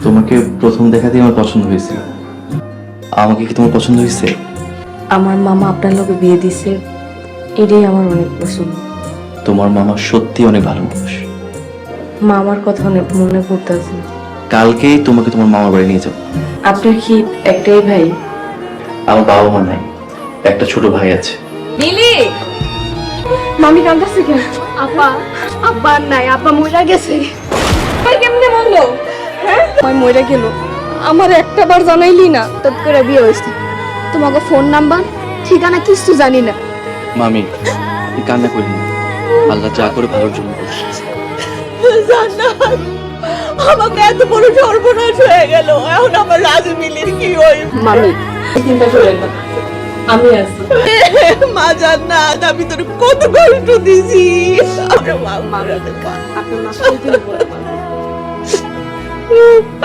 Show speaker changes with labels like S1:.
S1: তোমাকে প্রথম দেখাতেই আমার পছন্দ হয়েছিল। আমাকে কি তোমার পছন্দ হয়েছে?
S2: আমার মামা আপনার লোকে বিয়ে দিছে, এটাই আমার অনেক পছন্দ।
S1: তোমার মামা সত্যি অনেক ভালো মানুষ।
S2: মামার কথা অনেক মনে পড়তেছে।
S1: কালকেই তোমাকে তোমার মামার বাড়ি নিয়ে যাবো।
S2: আপনার কি একটাই ভাই?
S1: আমার বাবা মা নাই, একটা ছোট ভাই আছে।
S2: মিলি, মামি কান্দাছে কেন? আপা, আব্বা আর নাই, আব্বা মইরা গেছে। ভাই কেমনে মরলো? হ্যাঁ, ভাই মইরা গেল। আমার একটা বার জানাইলি না, তত করে বিয়ে হইছে। তোমাকে ফোন নাম্বার ঠিকানা কিছু জানি না।
S1: মামি, তুই কান্না করি না, আল্লাহ যা করে ভালোর জন্য করছে।
S3: জান্নাত, আমাকে এত বড় সর্বনাশ হয়ে গেল, এখন আমার রাজু মিলির কি হইব?
S2: মামি চিন্তা করেন না, আমি আছি।
S3: মা জান্নাত, আমি তোর কত কষ্ট দিছি। আমার মা মারা
S2: আপনার মা